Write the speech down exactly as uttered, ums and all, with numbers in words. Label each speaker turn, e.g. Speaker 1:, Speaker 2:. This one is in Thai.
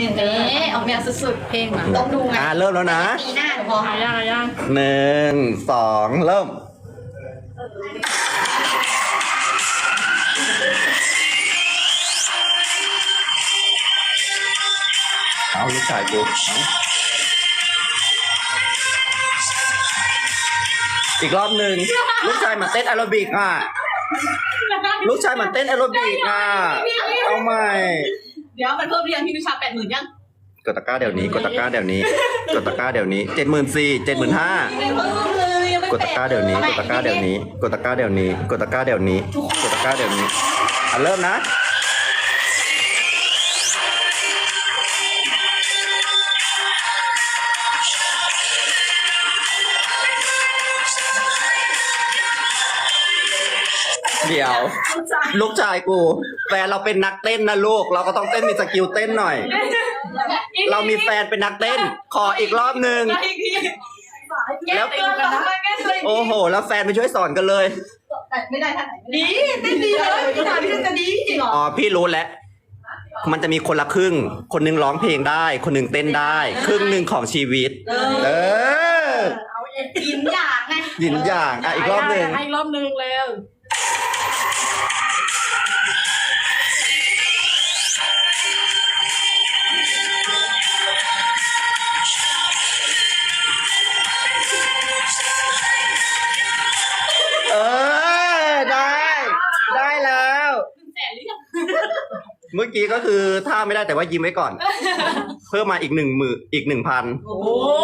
Speaker 1: อย่างนี้ออกแนวสุดๆเพลงอ่ะต้องดูไง
Speaker 2: อ่าเริ่มแล้วนะ
Speaker 1: ปีหน้าหนูพอ
Speaker 3: หายากหายาก
Speaker 2: หนึ่งสองเริ่มเอาลูกชายกูอีกรอบหนึ่งลูกชายมาเต้นแอโรบิกอ่ะลูกชายมาเต้นแอโรบิกอ่ะเอาใหม่
Speaker 3: เดี๋ยวมันเพิ่มเรียงพี่นุชาแปดหมื่นยัง
Speaker 2: กดตะกร้าเดี๋ยวนี้กดตะกร้าเดี๋ยวนี้กดตะกร้าเดี๋ยวนี้เจ็ดหมื่นสี่เจ็ดหมื่นห้า
Speaker 3: ไม่เพิ่มเลยยังไม่
Speaker 2: กดตะกร้าเดี๋ยวนี้กดตะกร้าเดี๋ยวนี้กดตะกร้าเดี๋ยวนี้กดตะกร้าเดี๋ยวนี้กดตะกร้าเดี๋ยวนี้อ่ะเริ่มนะเดี๋ยวลูกชายกูแฟนเราเป็นนักเต้นนะลูกเราก็ต้องเต้นมีสกิลเต้นหน่อย เรามีแฟนเป็นนักเต้นขออีกรอบหนึ่ง
Speaker 3: แล้ว
Speaker 1: แก้ตัวกันนะ
Speaker 2: โอ้โหแล้วแฟนไปช่วยสอนกันเลย
Speaker 3: ไม่ได้ท่านไหนดีเต้นดีเลยพี่ถามพี่จะดีจริงเหรอ
Speaker 2: อ๋อพี่รู้แล้วมันจะมีคนละครึ่งคนหนึงร้องเพลงได้ คนหนึงเต้นได้ ครึ่งหนึ่งของชีวิตเออ
Speaker 1: ยินอย่างไง
Speaker 2: หยินอย่างอ่ะอีกรอบหนึ่ง
Speaker 3: ให้รอบหนึ่งแล้ว
Speaker 2: เออได้ได้แล้ว
Speaker 3: แสนหรือยัง
Speaker 2: เมื่อกี้ก็คือท่าไม่ได้แต่ว่ายิ้มไว้ก่อน เพิ่มมาอีกหนึ่งหมื่นอีกหนึ่งพัน
Speaker 3: โอ้